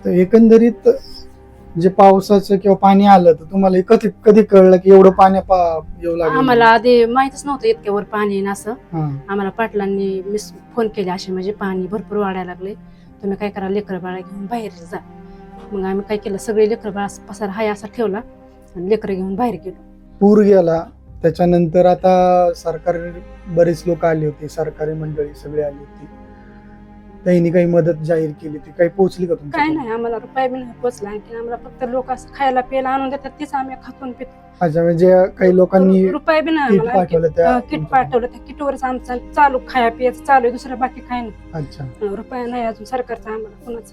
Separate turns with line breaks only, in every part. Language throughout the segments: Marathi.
तर एकंदरीत जे पावसाचं किंवा पाणी आलं तर तुम्हाला कधी कधी कळलं की एवढं पाणी येऊ लागलं?
आम्हाला आधी माहितच नव्हतं इतक्यावर पाणी येईन असं.
हा.
आम्हाला पाटलांनी फोन केले असे म्हणजे पाणी भरपूर वाढायला लागले, तुम्ही काय करा लेकरं बाळा घेऊन बाहेर जा. मग आम्ही काय केलं, सगळे लेकरं बाळा पसार हाय असा ठेवला आणि लेकरं घेऊन बाहेर गेलो.
पूर गेला त्याच्यानंतर आता सरकारी बरेच लोक आले होते, सरकारी मंडळी सगळे आली होती, त्यांनी काही मदत जाहीर केली, ती काही पोहोचली का
काय
तुमच्याकडे?
नाही, आम्हाला रुपये बी नाही पोचला. आणखी आम्हाला फक्त लोक असं खायला प्यायला आणून देतात, तीच आम्ही खातून पितो.
अच्छा, म्हणजे काही लोकांनी
रुपये बी नाही
किट पाठवलं त्या
किट पाठवलं, त्या किटवरच आमचं चालू खाया पियाचं चालू आहे, दुसरं बाकी काय नाही.
अच्छा.
रुपया नाही अजून सरकारचा आम्हाला कोणाचं.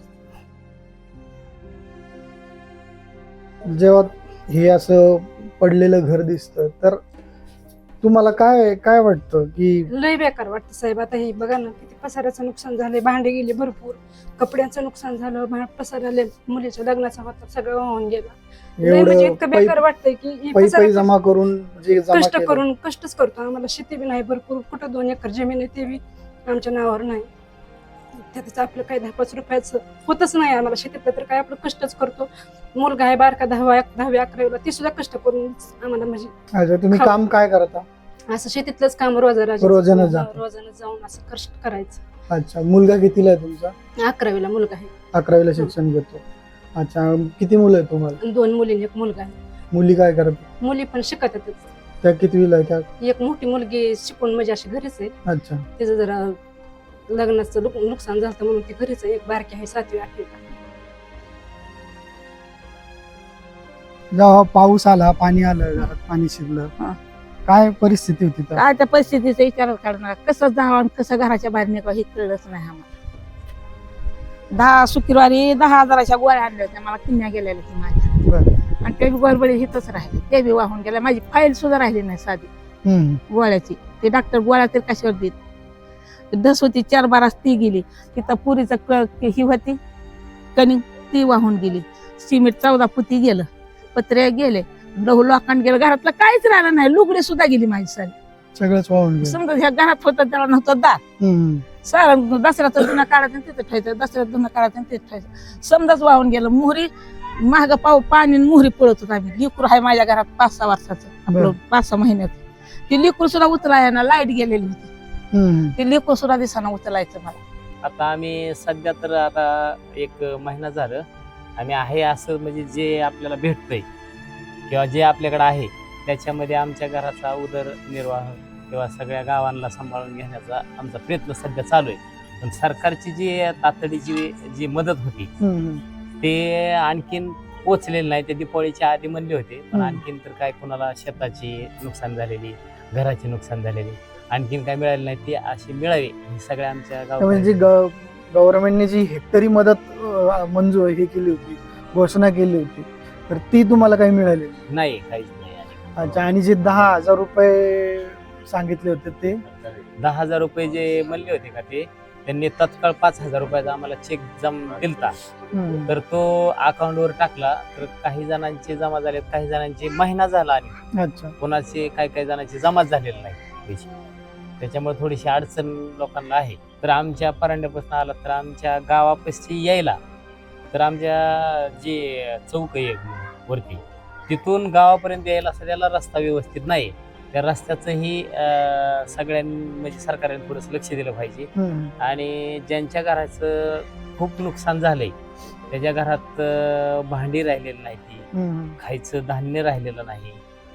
जेव्हा हे असं पडलेलं घर दिसतं तर तुम्हाला काय काय वाटतं की
लय बेकार वाटतं साहेब. आता हे बघा ना, किती पसाऱ्याचं नुकसान झालंय, भांडे गेले भरपूर, कपड्यांचं नुकसान झालं, पसाराले मुलीच्या लग्नाचा होता सगळं वाहून गेला. लय म्हणजे इतकं बेकार वाटतंय की ही
पैसे जमा करून जे जमा
कष्ट
केलं.
करून कष्टच करतो. आम्हाला शेती बी नाही भरपूर, कुठं 2 एकर जमीन आहे ते बी आमच्या नावावर नाही. त्याचं आपलं काही 10-5 रुपयाचं होतच नाही आम्हाला शेतीतलं, तर काय आपलं कष्टच करतो. मुलगा आहे बारका 10वी-11वीला, ती सुद्धा कष्ट करून आम्हाला म्हणजे.
अच्छा, तुम्ही काम काय करता?
असं शेतीतलंच काम रोजानं जाऊन असं कष्ट करायचं.
अच्छा, मुलगा कितीला आहे तुमचा?
11वीला मुलगा आहे.
11वीला शिक्षण घेतो. अच्छा, किती मुलं आहेत तुम्हाला?
2 मुली, 1 मुलगा आहे.
मुली काय करतात?
मुली पण शिकतातच.
त्या कितवीला आहे?
एक मोठी मुलगी शिकून म्हणजे अशी घरीच आहे.
अच्छा.
तिचं जरा लग्नाचं नुकसान झालं म्हणून ती घरीच आहे. एक बारकी आहे 7वी-8वीला.
जेव्हा पाऊस आला, पाणी आलं, घरात पाणी शिरलं, काय परिस्थिती होती तर?
काय त्या परिस्थितीचा विचार करणार, कसं जावं आणि कसं घराच्या बाहेर निघावं हे कळलंच नाही आम्हाला. 10 शुक्रवारी 10,000च्या गोळ्या आणल्या होत्या, मला किन्या गेलेल्या की माझ्या.
बरं.
आणि ते बी गडबडी हिथंच राहिले, ते बी वाहून गेल्या. माझी फाईल सुद्धा राहिली नाही साधी गोळ्याची. ते डॉक्टर गोळ्या तर कशावर देत. दस होती 4 बारास ती गेली. तिथं पुरीचं ही होती कणिक, ती वाहून गेली. सिमेंट 14 फुटी गेलं, पत्रे गेले, लोखंड गेलं, घरातलं काहीच राहिलं नाही. लुगडे सुद्धा गेली माझी सारी,
सगळंच वाहून गेलं.
समजा ह्या घरात होतं त्याला नव्हतं दार. सारं दसऱ्याचं धुणं काढायचं तिथं ठेवायचं, दसऱ्यात धुणं काढायचं तिथं ठेवायचं, समजाच वाहून गेलं. मोहरी महाग पाणी मोहरी पळत होत आम्ही. लिकूर आहे माझ्या घरात 5-6 वर्षाचं, आपलं 5-6 महिन्याचं. ती लिकूर सुद्धा उचलाय ना, लाईट गेलेली होती, ती लिकूर सुद्धा दिसाना उचलायचं मला.
आता आम्ही सध्या तर आता 1 महिना झालं आम्ही आहे असं, म्हणजे जे आपल्याला भेटतंय किंवा जे आपल्याकडे आहे त्याच्यामध्ये आमच्या घराचा उदरनिर्वाह किंवा सगळ्या गावांना सांभाळून घेण्याचा आमचा प्रयत्न सध्या चालू आहे. पण सरकारची जी तातडीची जी मदत होती ते आणखीन पोचलेली नाही. ते दिवाळीच्या आधी म्हणले होते, पण आणखीन तर काय कोणाला शेताची नुकसान झालेली, घराची नुकसान झालेली, आणखीन काय मिळाली नाही. ती अशी मिळावी ही सगळ्या आमच्या
म्हणजे गव्हर्नमेंटने जी हेक्टरी मदत मंजूर हे केली होती, घोषणा केली होती, तर ती तुम्हाला काही मिळाली
नाही, काहीच नाही.
अच्छा, आणि जे 10,000 रुपये सांगितले होते ते
10,000 रुपये जे म्हणले होते का ते त्यांनी तत्काळ 5,000 रुपयाचा आम्हाला चेक दिलता. तर तो अकाउंटवर टाकला, तर काही जणांचे जमा झालेत, काही जणांचे महिना झाला आणि
अच्छा,
कोणाचे काही जणांचे जमाच झालेले नाही पैसे. त्याच्यामुळे थोडीशी अडचण लोकांना आहे. तर आमच्या परांड्यापासून आला तर आमच्या गावापाशी यायला, तर आमच्या जे चौक आहे वरती तिथून गावापर्यंत यायला सध्याला रस्ता व्यवस्थित नाही. त्या रस्त्याचंही सगळ्यांनी म्हणजे सरकारने थोडंसं लक्ष दिलं पाहिजे. आणि ज्यांच्या घराचं खूप नुकसान झालंय त्याच्या घरात भांडी राहिलेली नाही, ती खायचं धान्य राहिलेलं नाही,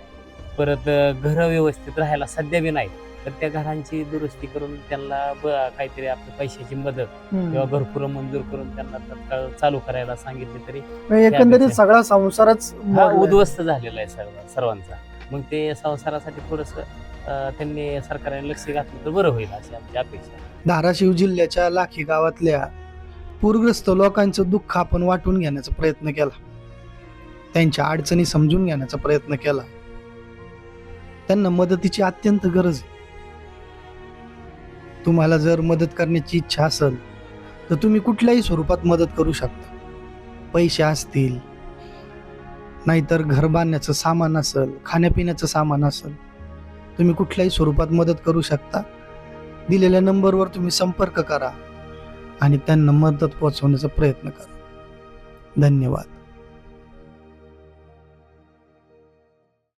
परत घर व्यवस्थित राहायला सध्या बी नाही. तर त्या घरांची दुरुस्ती करून त्यांना काहीतरी आपल्या पैशाची मदत किंवा घरकुल मंजूर करून त्यांना तत्काळ चालू करायला सांगितले तरी
एकंदरीत सगळा संसारच
उद्ध्वस्त झालेला आहे सर्वांचा. मग ते संसारासाठी थोडस त्यांनी सरकारने लक्ष घातलं तर बरं होईल अशी आमची अपेक्षा.
धाराशिव जिल्ह्याच्या लाखी गावातल्या पूरग्रस्त लोकांचं दुःख आपण वाटून घेण्याचा प्रयत्न केला, त्यांच्या अडचणी समजून घेण्याचा प्रयत्न केला. त्यांना मदतीची अत्यंत गरज आहे. तुम्हाला जर मदत करण्याची इच्छा असेल तर तुम्ही कुठल्याही स्वरूपात मदत करू शकता. पैसे असतील, नाहीतर घर बांधण्याचं सामान असेल, खाण्यापिण्याचं सामान असेल, तुम्ही कुठल्याही स्वरूपात मदत करू शकता. दिलेल्या नंबरवर तुम्ही संपर्क करा आणि त्यांना मदत पोहोचवण्याचा प्रयत्न करा. धन्यवाद.